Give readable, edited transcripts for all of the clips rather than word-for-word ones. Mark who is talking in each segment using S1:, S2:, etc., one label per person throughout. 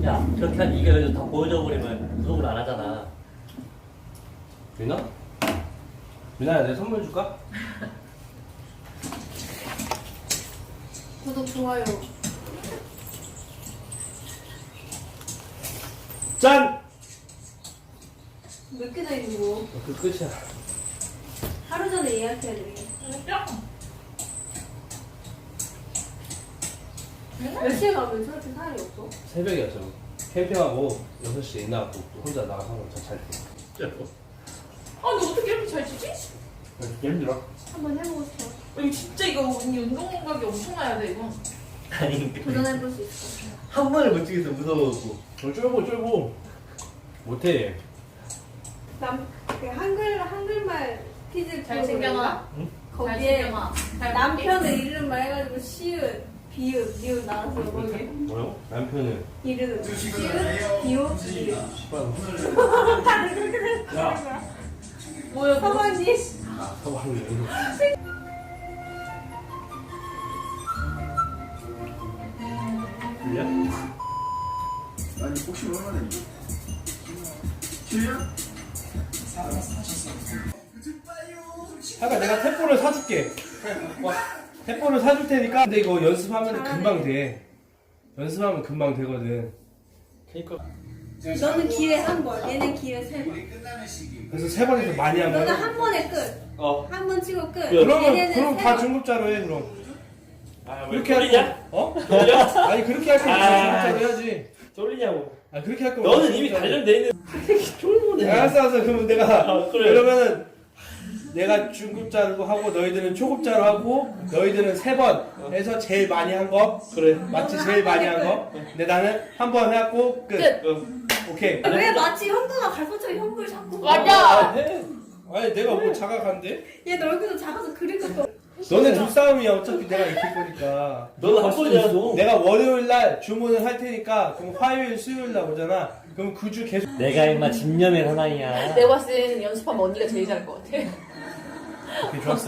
S1: 야, 그렇게 한 이게 그래도 다 보여줘 버리면 구독을 안 하잖아.
S2: 유나? 유나야, 내 선물 줄까?
S3: 구독, 좋아요.
S2: 짠!
S3: 몇 개나 있는 거?
S2: 그 끝이야.
S3: 하루 전에 예약해야 되겠네. 몇 시에 가면 저렇게 사람이 없어?
S2: 새벽이었죠. 캠핑하고 6시에 나가고 혼자 나가서 잘 때.
S4: 아, 근데 어떻게 이렇게 잘 치지?
S2: 힘들어.
S3: 한번 해보고 싶어.
S4: 이거 진짜 이거 언니 운동 감각이 엄청나야 돼 이거.
S1: 아니,
S3: 도전해볼 수 있어.
S1: 한 번을 못 찍어서 무서워갖고.
S2: 쫄고. 못해.
S3: 그 한글말 퀴즈
S4: 잘 챙겨놔.
S3: 거기에
S4: 잘 챙겨놔. 잘
S3: 남편의 이름만 해가지고 시읒, 비읒, 니읒 나왔어요. 거기
S2: 뭐요? 남편은?
S3: 이름 시읒, 비읒, 니읒. 다들 그렇게 생각하는 거야.
S4: 뭐야?
S3: 서방님.
S2: 아, 서방님. 들려?
S5: 아니 혹시 얼마나 이거? 길이야?
S2: 아까 내가 탭볼을 사줄게. 와, 탭볼을 사줄 테니까. 근데 이거 연습하면 금방 돼. 연습하면 금방 되거든. 그러니까.
S3: 너는 기회 한 번, 얘는 기회 세 번.
S2: 그래서 세 번에서 많이 한
S3: 너는
S2: 거야.
S3: 한 번에 끝. 한 번 치고 끝.
S2: 그럼
S3: 얘네는 세
S2: 다
S3: 번.
S2: 중급자로 해 그럼.
S1: 아,
S2: 그렇게 할 거. 어? 아니 그렇게 할 거면 중급자로 해야지.
S1: 쫄리냐고.
S2: 아 그렇게 할 거면.
S1: 너는 이미
S2: 중급자로.
S1: 단련돼 있는. 쫄보네.
S2: 알았어. 그러면 내가
S1: 그래.
S2: 그러면은 내가 중급자로 하고 너희들은 초급자로 하고 너희들은 세 번 해서 제일 많이 한 거. 그래. 맞지? 제일 많이 한 거. 근데 나는 한 번 해갖고 끝. 오케이.
S3: 왜 마치 형도가 갈고처럼 형을 자꾸.
S4: 맞아.
S2: 해. 아니 내가 뭐 자각한데?
S3: 얘 얼굴도 작아서 그릴 것도.
S2: 너네 둘싸움이야 어차피 내가 이길 거니까.
S1: 너는 한 번이라도.
S2: 내가 월요일 날 주문을 할 테니까 그럼 화요일 수요일 날 오잖아. 그럼 그 주 계속.
S1: 내가 임마 집념의 사나이야.
S4: 내가 봤을 때는 연습하면 언니가 제일 잘할 것 같아.
S2: 오케이 좋았어.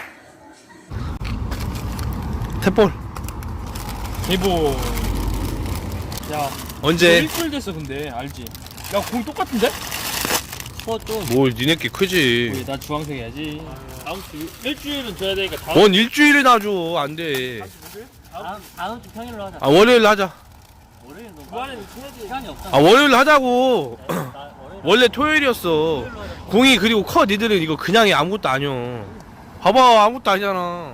S2: 탭볼.
S6: 대보. 야,
S2: 언제?
S6: 일주일 됐어 근데 알지? 야, 공 똑같은데?
S1: 뭐 좀.
S2: 뭘 니네끼 크지.
S6: 우리 나 주황색 해야지. 다음 주 일주일은 줘야 되니까 다음
S2: 뭔 일주일이나 줘. 안 돼.
S1: 다음 주 평일로 하자.
S2: 아 월요일 하자.
S1: 월요일 너
S6: 주말에는 쳐야지.
S1: 시간이 없잖아.
S2: 아 월요일 하자고.
S1: 나 월요일
S2: 원래 토요일이었어. 공이 그리고 커. 니들은 이거 그냥이 아무것도 아니여. 봐봐 아무것도 아니잖아.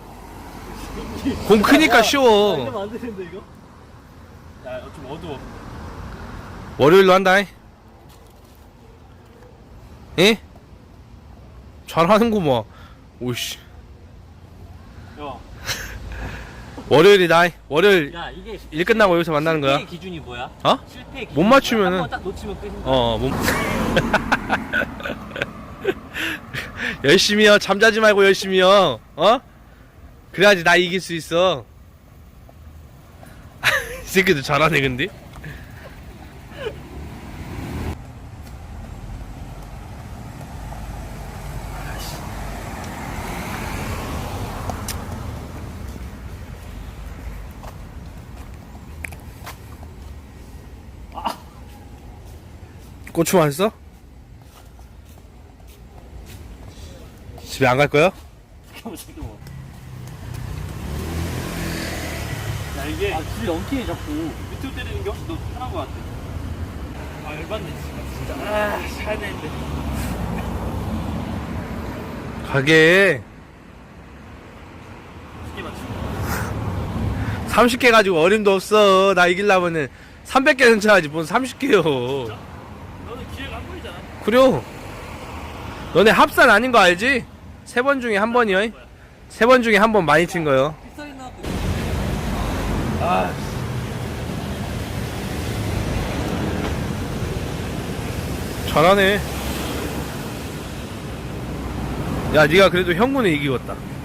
S2: 공 크니까 쉬워.
S1: 안 되는데 이거?
S6: 야, 좀 어두워.
S2: 월요일로 한다. 예? 잘하는구만. 오씨.
S6: 야,
S2: 월요일이다. 월요일
S1: 야, 이게
S2: 일 끝나고 여기서 만나는 거야.
S1: 실패의 기준이 뭐야?
S2: 어?
S1: 실패의 기준.
S2: 못 맞추면은-
S1: 한번 딱 놓치면 끝인 거야.
S2: 못. 열심히요. 잠자지 말고 열심히요. 어? 그래야지 나 이길 수 있어. 이 새끼도 잘하네 근데. 고추 맛있어? 집에 안 갈 거야?
S6: 야, 이게
S1: 줄이 엉키네 자꾸.
S6: 밑으로 때리는 게 훨씬 더 편한 것 같아. 아, 열받네 진짜. 아, 사야 되는데.
S2: 가게
S6: 이게 맞지?
S2: 30개 가지고 어림도 없어. 나 이기려면은 300개는 쳐야지 뭔 30개요.
S6: 너는 기회가 한 번이잖아.
S2: 그래요. 너네 합산 아닌 거 알지? 3번 중에 한 번이요. 3번 중에 한 번 많이 친 거요. 아. 잘하네. 야, 네가 그래도 형군을 이기겠다.